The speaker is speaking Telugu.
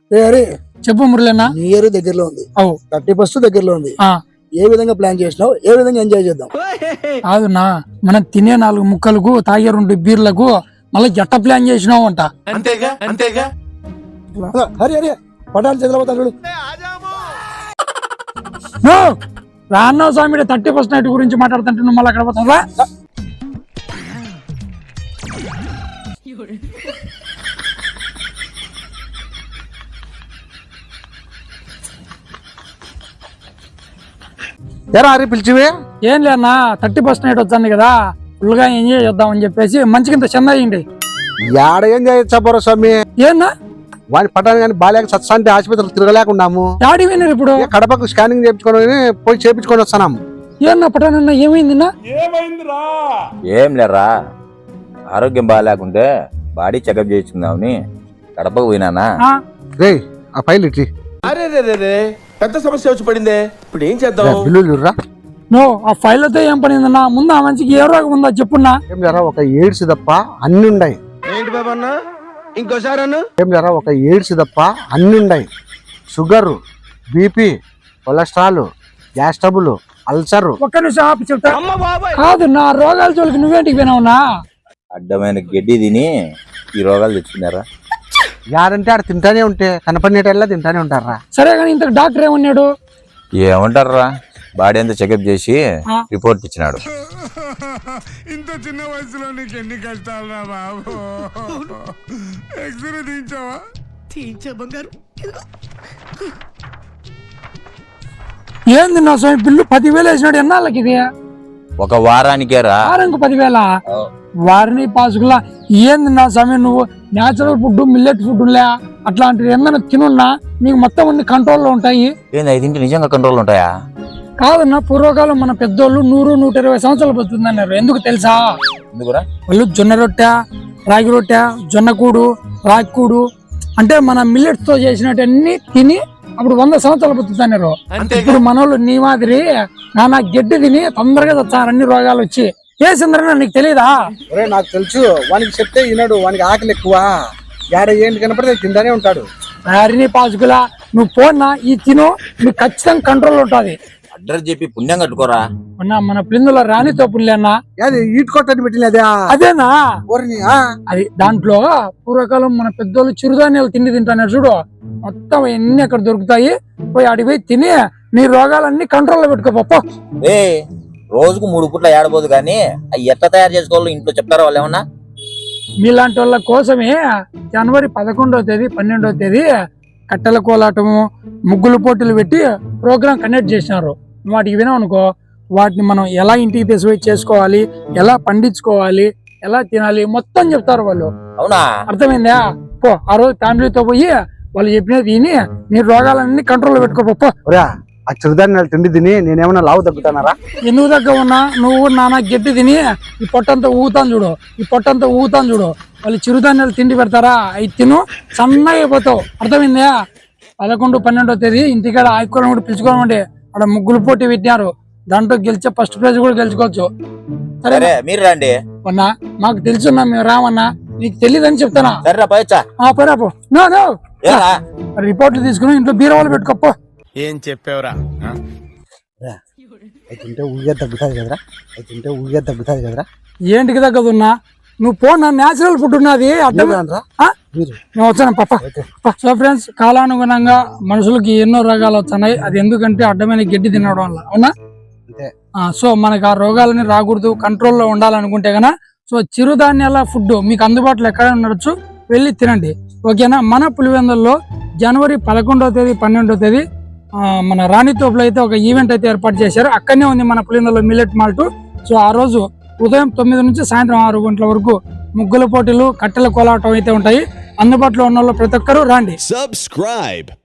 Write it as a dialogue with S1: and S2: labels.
S1: అరే
S2: చెప్పు మురళన్న.
S1: న్యూ ఇయర్ దగ్గరలో ఉంది, 31 దగ్గరలో ఉంది. ఏ విధంగా ప్లాన్ చేసినావు, ఏ విధంగా ఎంజాయ్ చేద్దాం?
S2: కాదున్నా, మనం తినే 4 ముక్కలకు తాగే 2 బీర్లకు మళ్ళీ జట్ట ప్లాన్ చేసినావు అంట.
S1: అరే అరే పటాలు చదిపోతాడు.
S2: రాన్నా స్వామి 31st నైట్ గురించి మాట్లాడుతుంటే నువ్వు మళ్ళీ అక్కడ పోతావా?
S1: ఎరా అరే పిలిచివే?
S2: ఏం లేనా, 31st నైట్ వచ్చాను కదా, ఫుల్ గా ఎంజాయ్ చేద్దామని చెప్పేసి మంచి కింద చెంద అయ్యింది.
S1: యాడ ఏం చేయొచ్చా స్వామి?
S2: ఏనా
S1: వాడి పట్టాను కానీ బాలేక సత్సాంతి ఆసుపత్రులు తిరగలేకున్నాము.
S2: డాడీ విన్నారు ఇప్పుడు
S1: కడపకు స్కానింగ్ చేయించుకొని పోయి చేయించుకొని వస్తున్నాము.
S2: ఏమన్నా పటానన్నా ఏమైందిన్నా?
S3: ఏం లేరా, ఆరోగ్యం బాగాలేకుంటే బాడీ చెకప్ చేయించుకుందామని కడపకు పోయినానా.
S1: రే ఆ ఫైల్ ఇచ్చి.
S4: అరే రే రే రే పెద్ద సమస్య వచ్చి పడిందే, ఇప్పుడు ఏం చేద్దాం?
S1: బిల్లురా.
S2: నో ఆ ఫైల్ అయితే ఏం పనిందన్నా? ముందు ఆ మనిషికి ఏ రోగం ఉందా చెప్పున్నా.
S1: ఏం లేరా, ఒక ఎయిడ్స్ తప్ప అన్ని ఉన్నాయి.
S4: ఏంటి బాబా అన్న, ఇంకోసారి అన్న.
S1: ఏం లేరా, ఒక ఎయిడ్స్ తప్ప అన్ని ఉన్నాయి. Sugar, BP, cholesterol, gas trouble, ulcer.
S2: ఒక్క నిమిషం ఆపి చెప్తా. కాదు నా రోగాల జోలికి నువ్వేంటికి పోయినావునా?
S3: అడ్డమైన గడ్డి తిని ఈ రోగాలు తెచ్చుకున్నారా?
S1: యాడంటే ఆడ తింటానే ఉంటే కనపడినట్టల్లా తింటానే ఉంటారా.
S2: సరే కానీ ఇంత డాక్టర్ ఏమన్నాడు?
S3: ఏమంటారా, బాడీ అంతా చెకప్ చేసి రిపోర్ట్ ఇచ్చినాడు.
S5: ఇంత చిన్న వయసులో నీకు ఎన్ని కష్టాలు రా బాబు. ఎక్స్రే తీయించావా?
S6: తీయించా బంగారు.
S2: ఏంది నా స్వామి బిల్లు 10,000 వేసినాడు? ఎన్నాళ్ళకి ఇది?
S3: ఒక వారానికేరా.
S2: వారానికి 10,000? వారిని పాసుకులా. ఏంది నా స్వామి, నువ్వు న్యాచురల్ ఫుడ్, మిల్లెట్ ఫుడ్ అట్లాంటివి ఏమన్నా తినున్నా నీకు మొత్తం అన్ని కంట్రోల్లో ఉంటాయి.
S3: ఏంది ఐదింటి నిజంగా కంట్రోల్ ఉంటాయా?
S2: కాదన్నా, పూర్వకాలం మన పెద్దోళ్ళు 100-120 సంవత్సరాలు బతుకుతుందన్నారు. ఎందుకు తెలుసా? వాళ్ళు జొన్న రొట్టె, రాగి రొట్టె, జొన్న కూడు, రాగి కూడు అంటే మన మిల్లెట్స్ తో చేసినట్టు తిని అప్పుడు 100 సంవత్సరాలు బతుకుతున్నారు. ఇప్పుడు మనోళ్ళు నీ మాదిరి నానా గడ్డి తిని తొందరగా చచ్చారు అన్ని రోగాలు వచ్చి. ఏ చంద్రనా నీకు తెలియదా?
S1: నాకు తెలుసు, వానికి చెప్తే వినడు, వానికి ఆకలి ఎక్కువ. యాడ ఏంటి కనపడితే తింటానే ఉంటాడు.
S2: వారిని పాసుకులా నువ్వు పోన్నా ఈ తిను, నీకు ఖచ్చితంగా కంట్రోల్ ఉంటుంది.
S3: అడ్రస్ చెప్పి పుణ్యం కట్టుకోరా.
S2: మన ప్లిందులో రాణితో పుల్లేనా
S1: ఈట్ కొట్టని పెట్టినదే
S2: అదేనా? అది దాంట్లో పూర్వకాలం మన పెద్దోళ్ళు చిరుధాన్యాలు తిండి తింటున్నారు చూడు, మొత్తం ఎన్ని అక్కడ దొరుకుతాయి. పోయి అడిగి తిని నీ రోగాలన్నీ కంట్రోల్లో పెట్టుకోపో.
S3: రోజుకు 3 పూట్ల ఏడబోదు కానీ అవి ఎట్లా తయారు చేసుకోవాలో ఇంట్లో చెప్తారా వాళ్ళు ఏమన్నా?
S2: మీలాంటి వాళ్ళ కోసమే జనవరి 11వ తేదీ 12వ తేదీ కట్టెల కోలాటము, ముగ్గులు పోటీలు పెట్టి ప్రోగ్రాం కండక్ట్ చేసినారు. వాటికి వినామనుకో, వాటిని మనం ఎలా ఇంటికి తీసుకుపోయి చేసుకోవాలి, ఎలా పండించుకోవాలి, ఎలా తినాలి మొత్తం చెప్తారు వాళ్ళు.
S3: అవునా?
S2: అర్థమైందా? పో ఆ రోజు ఫ్యామిలీతో పోయి వాళ్ళు చెప్పినది తిని నీ రోగాలన్నీ కంట్రోల్లో పెట్టుకోపో.
S1: ఆ చిరుధాన్యాలు తిండి తిని నేనేమన్నా లావు తగ్గుతానారా?
S2: ఎందుకు దగ్గర ఉన్నా నువ్వు నానా గడ్డి తిని ఈ పొట్టంతా ఊగుతాను చూడు, ఈ పొట్టంతా ఊగుతాను చూడు. వాళ్ళు చిరుధాన్యాలు తిండి పెడతారా, అవి తిను సన్నగా అయిపోతావు. అర్థమైందా? 11-12వ తేదీ ఇంటికాడ ఆయుకోవడం కూడా పిలుచుకోమండి. అక్కడ ముగ్గులు పోటీ పెట్టినారు, దాంట్లో గెలిచే ఫస్ట్ ప్రైజ్ కూడా గెలుచుకోవచ్చు.
S3: సరే మీరు రండి
S2: అన్నా, మాకు తెలుసున్నా, మేము రామన్నా. నీకు తెలియదని చెప్తానా? పోరాపో. రిపోర్ట్లు తీసుకుని ఇంట్లో బీరవాళ్ళు పెట్టుకోపో.
S5: ఏం చెప్పావురా?
S1: అయితే ఊగే తగ్గుతుంది కదరా, అయితే ఊగే తగ్గుతుంది కదరా.
S2: ఏంటికి తగ్గదున్నా? నువ్వు పోనా, న్యాచురల్ ఫుడ్ ఉన్నది. నేను వచ్చాను పప్ప. సో ఫ్రెండ్స్, కాలానుగుణంగా మనుషులకి ఎన్నో రోగాలు వస్తున్నాయి. అది ఎందుకంటే అడ్డమైన గడ్డి తినడం వల్ల. అవునా? సో మనకు ఆ రోగాలని రాకూడదు, కంట్రోల్లో ఉండాలనుకుంటే కన్నా సో చిరుధాన్యాల ఫుడ్ మీకు అందుబాటులో ఎక్కడైనా ఉండొచ్చు, వెళ్ళి తినండి. ఓకేనా? మన పులివెందుల్లో జనవరి 11వ తేదీ 12వ తేదీ మన రాణితోపులో అయితే ఒక ఈవెంట్ అయితే ఏర్పాటు చేశారు. అక్కడనే ఉంది మన పులివెందుల్లో మిల్లెట్ మాల్ట్. సో ఆ రోజు ఉదయం 9 నుంచి సాయంత్రం 6 గంటల వరకు ముగ్గుల పోటీలు, కట్టెల కోలాటం అయితే ఉంటాయి. అందుబాటులో ఉన్న వాళ్ళు ప్రతి ఒక్కరూ రండి.
S7: Subscribe.